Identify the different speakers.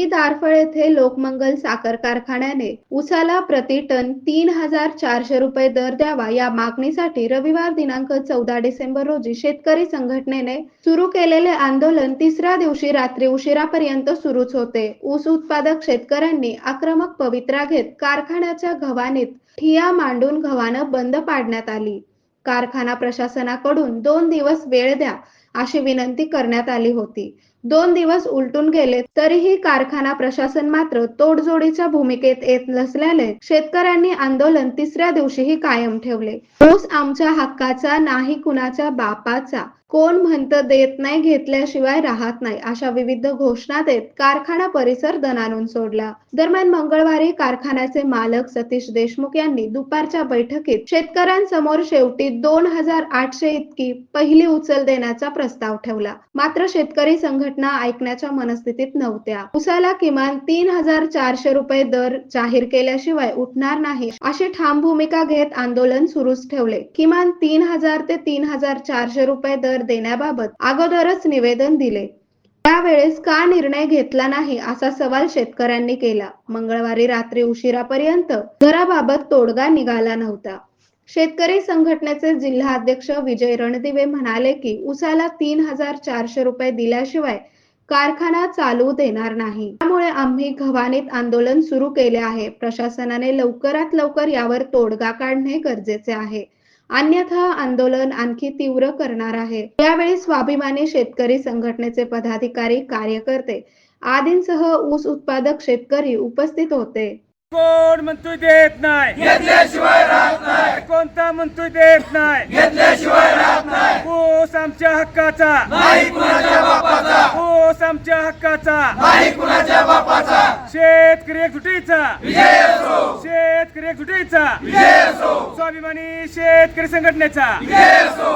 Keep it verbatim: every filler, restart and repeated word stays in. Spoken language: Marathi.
Speaker 1: दारफळ येथे लोकमंगल साखर कारखान्याने ऊसाला प्रति टन तीन हजार चारशे रुपये दर द्यावा या मागणीसाठी रविवार दिनांक चौदा डिसेंबर रोजी शेतकरी संघटनेने सुरू केलेले आंदोलन तिसऱ्या दिवशी रात्री उशिरापर्यंत सुरूच होते। ऊस उत्पादक शेतकऱ्यांनी आक्रमक पवित्रा घेत कारखान्याच्या गव्हाणीत ठिय्या मांडून गव्हाण बंद पाडण्यात आली। कारखाना प्रशासनाकडून दोन दिवस वेळ द्या अशी विनंती करण्यात आली होती। दोन दिवस उलटून गेले तरीही कारखाना प्रशासन मात्र तोडजोडीच्या भूमिकेत येत नसल्याने शेतकऱ्यांनी आंदोलन तिसऱ्या दिवशीही कायम ठेवले। ऊस आमच्या हक्काचा नाही कुणाच्या बापाचा, कोण म्हणतं देत नाही घेतल्याशिवाय राहत नाही अशा विविध घोषणा देत कारखाना परिसर दणाणून सोडला। दरम्यान मंगळवारी कारखान्याचे मालक सतीश देशमुख यांनी दुपारच्या बैठकीत शेतकऱ्यांसमोर शेवटी दोन हजार आठशे इतकी पहिली उचल देण्याचा प्रस्ताव ठेवला। मात्र शेतकरी संघटना ऐकण्याच्या मनस्थितीत नव्हत्या। ऊसाला किमान तीन हजार चारशे रुपये दर जाहीर केल्याशिवाय उठणार नाही अशी ठाम भूमिका घेत आंदोलन सुरूच ठेवले। किमान तीन हजार ते तीन हजार चारशे रुपये दर देण्याबाबत अगोदरच निवेदन दिले, त्यावेळेस का निर्णय घेतला नाही असा सवाल शेतकऱ्यांनी केला। मंगळवारी रात्री उशिरापर्यंत दराबाबत तोडगा निघाला नव्हता। शेतकरी संघटनेचे जिल्हाध्यक्ष विजय रणदिवे म्हणाले की ऊसाला तीन हजार चारशे रुपये दिल्याशिवाय कारखाना चालू देणार नाही, त्यामुळे आम्ही गव्हाणीत आंदोलन सुरू केले आहे। प्रशासनाने लवकरात लवकर यावर तोडगा काढणे गरजेचे आहे, अन्यथा आंदोलन आणखी तीव्र करणार आहे। यावेळी स्वाभिमानी शेतकरी संघटनेचे पदाधिकारी, कार्यकर्ते आदींसह ऊस उत्पादक शेतकरी उपस्थित होते।
Speaker 2: कोण म्हणतोय देत नाही
Speaker 3: घेतल्याशिवाय राहत नाही,
Speaker 2: कोणता म्हणतोय देत नाही
Speaker 3: घेतल्याशिवाय राहत नाही,
Speaker 2: ऊस आमच्या हक्काचा
Speaker 3: नाही कुणाच्या बापाचा,
Speaker 2: ऊस आमच्या हक्काचा
Speaker 3: नाही कुणाच्या बापाचा,
Speaker 2: शेतकरी एकजुटीचा
Speaker 3: विजय असो,
Speaker 2: शेतकरी एकजुटीचा
Speaker 3: विजय असो,
Speaker 2: स्वाभिमानी शेतकरी संघटनेचा
Speaker 3: विजय असो।